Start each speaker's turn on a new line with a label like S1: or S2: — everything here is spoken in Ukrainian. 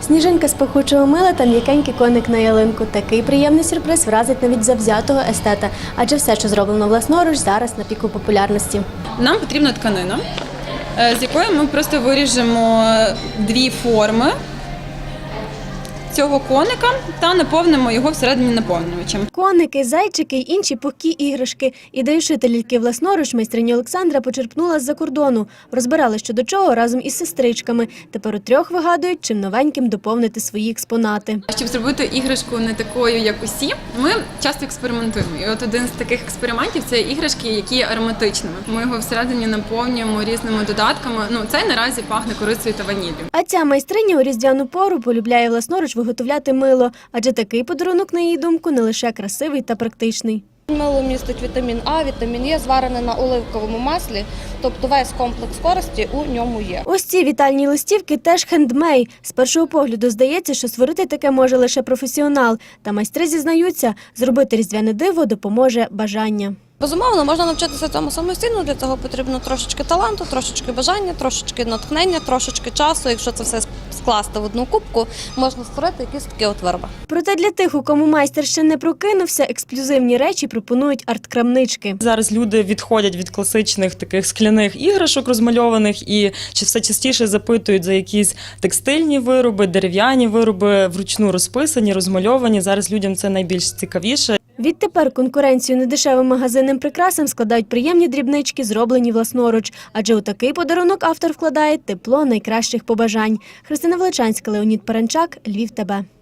S1: Сніжинка з пахучого мила та м'якенький коник на ялинку. Такий приємний сюрприз вразить навіть завзятого естета. Адже все, що зроблено власноруч, зараз на піку популярності.
S2: Нам потрібна тканина, з якої ми просто виріжемо дві форми цього коника та наповнимо його всередині наповнювачем.
S1: Коники, зайчики й інші пухкі іграшки. Ідею шити ляльки власноруч майстриня Олександра почерпнула з-за кордону. Розбирали що до чого разом із сестричками. Тепер у трьох вигадують, чим новеньким доповнити свої експонати.
S2: Щоб зробити іграшку не такою, як усі, ми часто експериментуємо. І от один з таких експериментів – це іграшки, які є ароматичними. Ми його всередині наповнюємо різними додатками. Цей наразі пахне корицею та ваніллю.
S1: А ця майстриня у різдвяну пору полюбляє власноруч виготовляти мило. Адже такий подарунок, на її думку, не лише красивий та практичний.
S3: Мило містить вітамін А, вітамін Е, зварене на оливковому маслі, тобто весь комплекс користі у ньому є.
S1: Ось ці вітальні листівки теж хендмейд. З першого погляду здається, що створити таке може лише професіонал. Та майстри зізнаються, зробити різдвяне диво допоможе бажання.
S3: Безумовно, можна навчитися цьому самостійно, для цього потрібно трошечки таланту, трошечки бажання, трошечки натхнення, трошечки часу. Якщо це все скласти в одну кубку, можна створити якісь такі от вироби.
S1: Проте для тих, у кому майстер ще не прокинувся, ексклюзивні речі пропонують арт-крамнички.
S4: Зараз люди відходять від класичних таких скляних іграшок розмальованих і все частіше запитують за якісь текстильні вироби, дерев'яні вироби, вручну розписані, розмальовані. Зараз людям це найбільш цікавіше.
S1: Відтепер конкуренцію недешевим магазинним прикрасам складають приємні дрібнички, зроблені власноруч. Адже у такий подарунок автор вкладає тепло найкращих побажань. Христина Величанська, Леонід Паранчак, Львів ТБ.